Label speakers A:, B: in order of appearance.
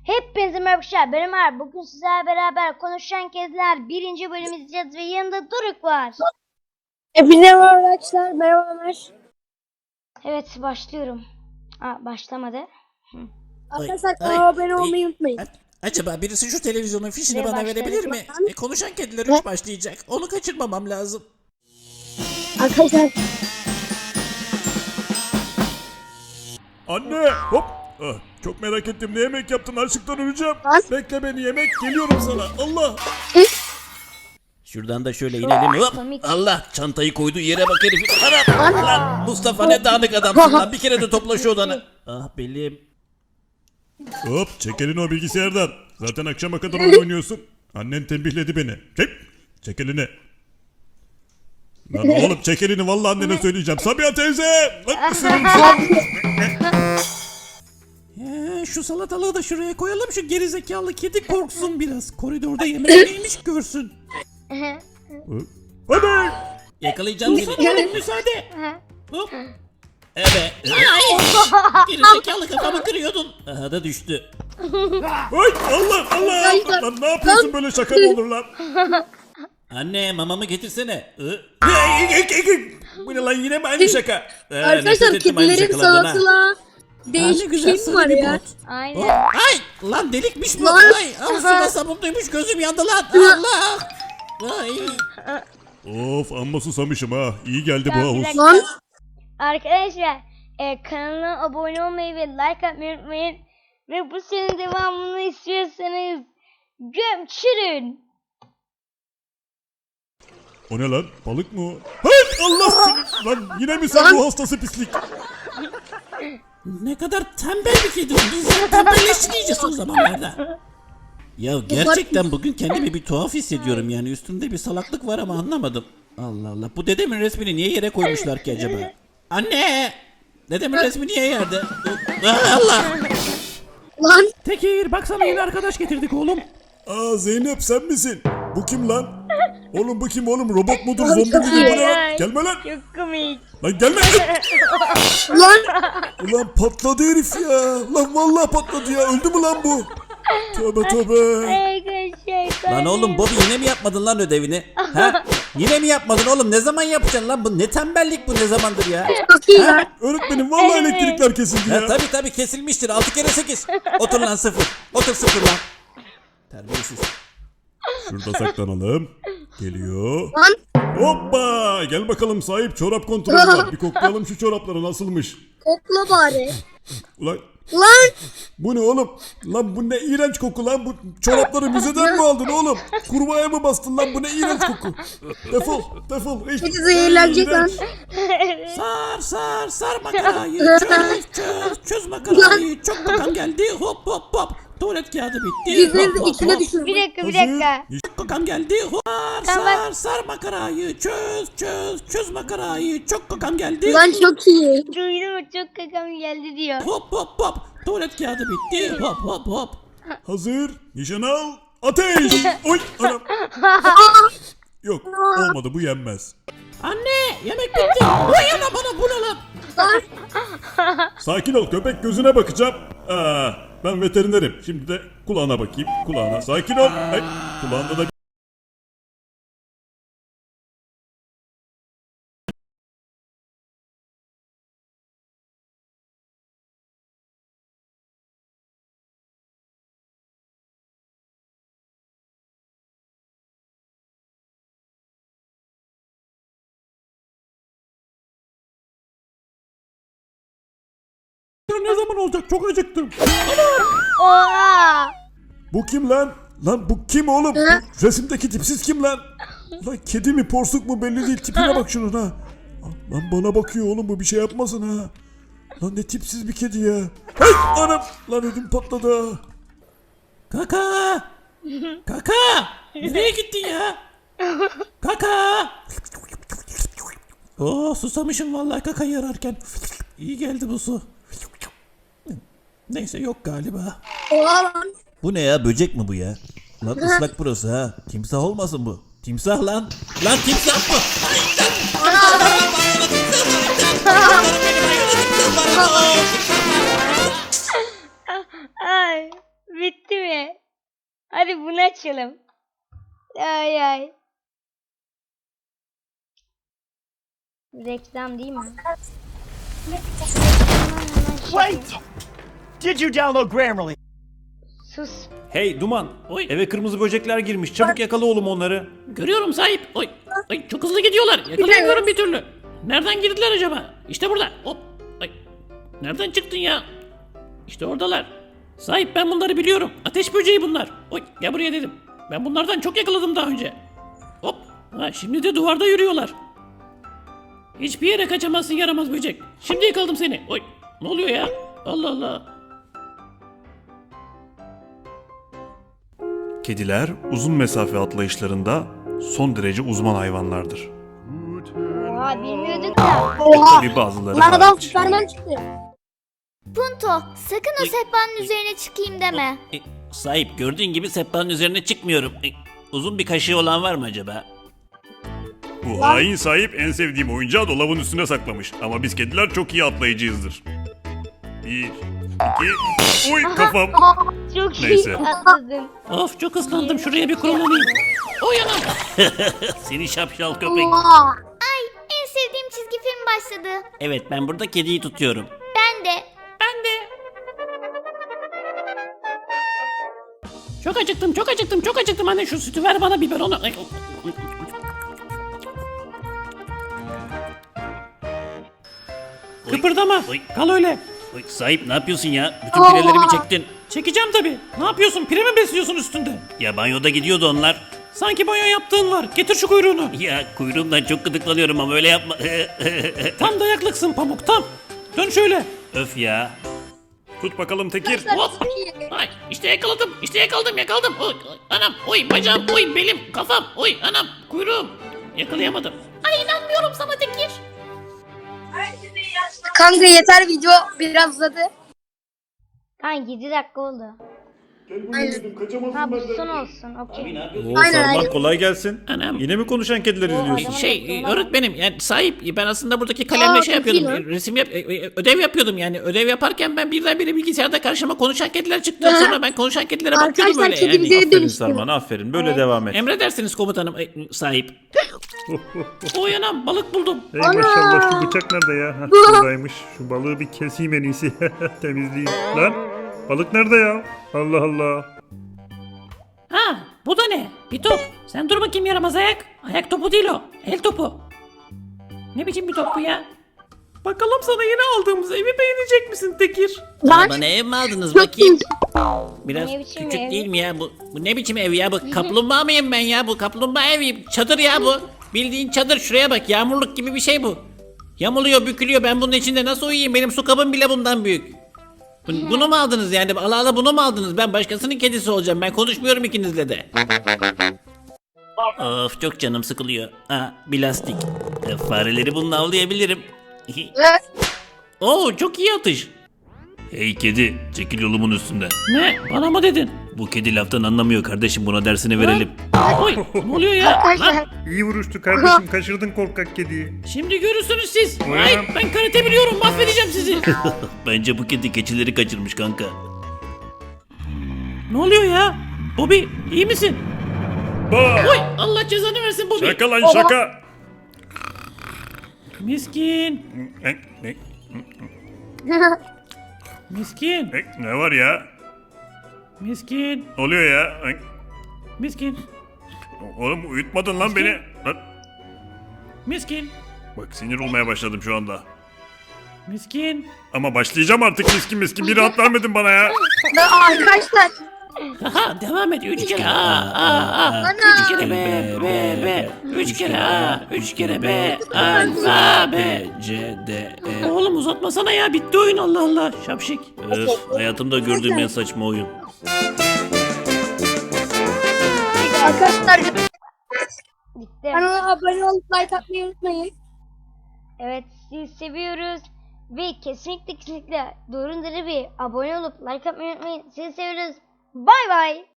A: Hepinize merhaba arkadaşlar, ben Ömer. Bugün sizlerle beraber Konuşan Kediler 1. bölümü izleyeceğiz ve yanında Doruk var.
B: Hepinize merhaba arkadaşlar. Merhaba Ömer.
A: Evet, başlıyorum. Başlamadı.
B: Arkadaşlar kanala abone olmayı unutmayın.
C: Acaba birisi şu televizyonun fişini
A: Ve
C: bana
A: başladık.
C: verebilir mi? Konuşan Kediler 3 başlayacak. Onu kaçırmamam lazım.
B: Arkadaşlar
D: Anne hop. Çok merak ettim, ne yemek yaptın, açlıktan öleceğim.
B: Lan.
D: Bekle beni, yemek geliyorum sana. Allah.
C: Şuradan da şöyle inelim. Hop.
A: Komik.
C: Allah, çantayı koyduğu yere bak herifin. Anam. Lan Mustafa, ne dağınık adamsın lan. Bir kere de topla şu odanı. Ah belim.
D: Hop, çek elini o bilgisayardan. Zaten akşama kadar oyun oynuyorsun. Annen tembihledi beni. Çek elini. Lan oğlum, çek elini, vallahi annene söyleyeceğim. Sabiha teyze. Lan ısırırım seni.
C: Şu salatalığı da şuraya koyalım, şu gerizekalı kedi korksun biraz. Koridorda yemek neymiş görsün.
D: Hadi.
C: Yakalayacağım seni. Müsaade. Hop. Evet. Ay. Gerizekalı, kafamı kırıyordun. Aha da düştü.
D: Ay Allah Allah. Lan ne yapıyorsun, böyle şaka mı olur lan?
C: Anne, mamamı getirsene.
D: Bu ne lan, yine mi aynı şaka?
B: arkadaşlar kedilerin salatalığa değişik bir şey mi var ya?
A: Aynen.
C: Ay lan, delikmiş bu.
B: Lan.
C: Ay, ağzıma sabunluymuş, gözüm yandı lan. Allah. Ay.
D: Of, amma susamışım ha. İyi geldi bu
A: Tamam, bir
D: havuz.
A: dakika.
B: Lan
A: Arkadaşlar, kanala abone olmayı ve like atmayı unutmayın. Ve bu serinin devamını istiyorsanız gömçürün.
D: O ne lan? Balık mı o? Hay Allah seni! Lan yine mi sen, bu hastası pislik?
C: Ne kadar tembel bir kedi. Biz tembelleştik iyice son zamanlarda. Ya gerçekten bugün kendimi bir tuhaf hissediyorum yani. Üstümde bir salaklık var ama anlamadım. Allah Allah. Bu dedemin resmini niye yere koymuşlar ki acaba? Anne! Dedemin resmi niye yerde? Allah!
B: lan
C: Tekir, baksana, yeni arkadaş getirdik oğlum.
D: Aa, Zeynep sen misin? Bu kim lan? Oğlum bu kim oğlum? Robot mudur, zombi midir, bu ne lan? Gelme lan!
A: Çok komik.
D: Lan gelme!
B: lan
D: Ulan patladı herif ya! Lan vallahi patladı ya! Öldü mü lan bu? Tövbe tövbe!
A: Arkadaşlar.
C: Lan oğlum, Bobby, yine mi yapmadın lan ödevini? Ha? Yine mi yapmadın oğlum? Ne zaman yapacaksın lan? Bu ne tembellik, bu ne zamandır ya?
B: çok iyi lan.
D: Öğretmenim vallahi elektrikler kesildi
C: Ha,
D: ya!
C: tabii kesilmiştir. 6 kere 8. Otur lan 0. Otur 0 lan. Terbiyesiz.
D: Şurada saklanalım. Geliyor.
B: Lan
D: Hoppa! Gel bakalım sahip, çorap kontrolü var. Bir koklayalım şu çorapları, nasılmış?
B: kokla bari.
D: Ulan
B: Lan
D: bu ne oğlum? Lan bu ne iğrenç koku lan? Bu çorapları müzeden mi aldın oğlum? Kurbağaya mı bastın lan? Bu ne iğrenç koku? Defol, defol.
B: kedi zehirlenecek lan.
C: Sar makarayı. Çöz makarayı. Çok kokan geldi. Hop. Tuvalet kağıdı bitti.
B: Yüzünüzü içine düşürün.
A: Bir dakika.
C: Çok kokan geldi. Sar makarayı. Çöz makarayı. Çok kokan geldi.
B: Lan çok iyi.
A: Duydum, çok kakam geldi diyor.
C: Hop. Tuvalet kağıdı bitti. Hop.
D: Hazır. Nişan al. Ateş. Oy anam. Yok, olmadı, bu yenmez.
C: Anne, yemek bitti. Vay ana, bana bu ne lan?
D: Sakin ol köpek, gözüne bakacağım. Ben veterinerim. Şimdi de kulağına bakayım. Kulağına. Sakin ol. Ay, kulağında da
C: Ne zaman olacak? Çok acıktım.
A: Oha.
D: bu kim lan? Lan bu kim oğlum? Bu resimdeki tipsiz kim lan? Lan kedi mi, porsuk mu belli değil. Tipine bak şunun ha. Lan bana bakıyor oğlum, bu bir şey yapmasın ha. Lan ne tipsiz bir kedi ya. Hey anam. Lan ödüm patladı ha.
C: Kaka! Nereye gittin ya? Kaka! Susamışım vallahi kakayı ararken. İyi geldi bu su. Neyse, yok galiba.
B: Oha lan.
C: Bu ne ya, böcek mi bu ya? Lan ıslak burası ha. Timsah olmasın bu. Timsah lan. Lan timsah mı?
A: Ay, bitti. Hadi bunu açalım. Ay ay. Reklam değil mi?
E: Wait! Did you download Grammarly?
A: Sus.
F: Hey Duman,
C: Oy.
F: eve kırmızı böcekler girmiş. Çabuk yakala oğlum onları.
C: Görüyorum sahip. Oy. Oy çok hızlı gidiyorlar. Yakalayamıyorum bir türlü. Nereden girdiler acaba? İşte burada. Hop. Ay. Nereden çıktın ya? İşte oradalar. Sahip ben bunları biliyorum. Ateş böceği bunlar. Oy gel buraya dedim. Ben bunlardan çok yakaladım daha önce. Hop. Ha, şimdi de duvarda yürüyorlar. Hiçbir yere kaçamazsın yaramaz böcek. Şimdi yakaladım seni. Oy. Ne oluyor ya? Allah Allah.
F: Kediler uzun mesafe atlayışlarında son derece uzman hayvanlardır.
A: Oha bilmiyorduk da.
F: Tabii bazıları
B: Lan adam
F: hariç.
B: Süperman çıktı.
G: Punto, sakın o sehpanın üzerine çıkayım deme.
C: Sahip gördüğün gibi sehpanın üzerine çıkmıyorum. Uzun bir kaşığı olan var mı acaba?
F: Bu hain sahip en sevdiğim oyuncağı dolabın üstüne saklamış. Ama biz kediler çok iyi atlayıcıyızdır. 1, 2, uy kafam.
A: Çok iyi
F: Neyse.
A: atladın.
C: Of çok ıslandım şuraya bir kurulanayım. Oy anam. Seni şapşal köpek.
G: En sevdiğim çizgi film başladı.
C: Evet ben burada kediyi tutuyorum.
G: Ben de.
C: Çok acıktım çok acıktım. Anne şu sütü ver bana biber onu. Kıpırdama. Kal öyle. Oy, sahip ne yapıyorsun ya? Bütün pirelerimi çektin. Çekeceğim tabii. Ne yapıyorsun? Pire mi besliyorsun üstünde? Ya banyoda gidiyordu onlar. Sanki banyo yaptığın var. Getir şu kuyruğunu. Ya kuyruğumdan çok gıdıklanıyorum ama öyle yapma. Tam dayaklıksın Pamuk tam. Dön şöyle. Öf ya.
F: Tut bakalım Tekir.
C: Hop. Ay işte yakaladım. Yakaladım. Oy, oy, anam. Oy bacağım. Oy belim. Kafam. Oy anam. Kuyruğum. Yakalayamadım.
G: Ay inanmıyorum sana Tekir.
B: Kanka yeter video biraz uzadı.
A: Kanka 7 dakika oldu. Ha bu son olsun. Okey.
F: Oo,
B: Aynen,
F: Sarman
B: aynen.
F: kolay gelsin.
C: Anam.
F: Yine mi konuşan kediler izliyorsun?
C: Öğretmenim yani sahip ben aslında buradaki kalemle
B: Aa,
C: şey
B: çok iyi
C: yapıyordum. Resim ödev yapıyordum yani. Ödev yaparken ben birdenbire bilgisayarda karşıma konuşan kediler çıktı. Sonra ben konuşan kedilere bakıyordum
B: Arkadaşlar
C: öyle yani.
B: kedimize
F: Aferin
B: dönüştü.
F: Sarman aferin. Böyle devam et.
C: Emredersiniz komutanım sahip. Oy anam balık buldum.
H: Ey maşallah şu bıçak nerede ya? Hah, buradaymış. Şu balığı bir keseyim en iyisi. Temizleyeyim. Lan balık nerede ya? Allah Allah.
C: Ha bu da ne? Bir top. Sen dur bakayım yaramaz ayak. Ayak topu değil o. El topu. Ne biçim bir top bu ya? Bakalım sana yeni aldığımız evi beğenecek misin Tekir?
B: Lan
C: Bana ev mi aldınız
B: çok iyi.
C: Biraz
A: Ne biçim
C: küçük
A: ev?
C: değil mi ya bu? Bu ne biçim ev ya bu? Kaplumbağa mıyım ben ya? Bu kaplumbağa evi. Çadır ya bu. Bildiğin çadır şuraya bak. Yağmurluk gibi bir şey bu. Yamuluyor, bükülüyor. Ben bunun içinde nasıl uyuyayım? Benim su kabım bile bundan büyük. Bunu mu aldınız yani? Allah Allah bunu mu aldınız? Ben başkasının kedisi olacağım. Ben konuşmuyorum ikinizle de. Of çok canım sıkılıyor. Ha bir lastik. Fareleri bununla avlayabilirim. Oo çok iyi atış. Hey kedi çekil yolumun üstünden. Ne? Bana mı dedin? Bu kedi laftan anlamıyor kardeşim buna dersini verelim. Oy ne oluyor ya? Lan,
B: Arkadaşlar
H: İyi vuruştu kardeşim. Kaçırdın korkak kediyi.
C: şimdi görürsünüz siz.
H: Ulan.
C: Ay ben karate biliyorum mahvedeceğim sizi. Bence bu kedi keçileri kaçırmış kanka. Ne oluyor ya? Bobby iyi misin?
F: Bah!
C: Oy Allah cezanı versin Bobby.
F: Şaka lan şaka.
C: Miskin. Miskin.
F: Ne var ya?
C: Miskin.
F: Ne oluyor ya?
C: Miskin.
F: Oğlum uyutmadın lan beni. Lan,
C: Miskin.
F: bak sinir olmaya başladım şu anda.
C: Miskin.
F: Ama başlayacağım artık miskin bir rahat vermedin bana ya.
B: arkadaşlar
C: Aha devam et. 3 kere A. 3 kere B. 3 kere A. 3 kere B. Alfa B. C, D, E. Oğlum uzatmasana ya. Bitti oyun Allah Allah. Şapşik. Öf hayatımda gördüğüm en saçma oyun.
B: arkadaşlar
A: Bitti.
B: kanala abone olup like atmayı unutmayın.
A: Evet sizi seviyoruz. Ve kesinlikle doğru bir abone olup like atmayı unutmayın. Sizi seviyoruz. Bay bay.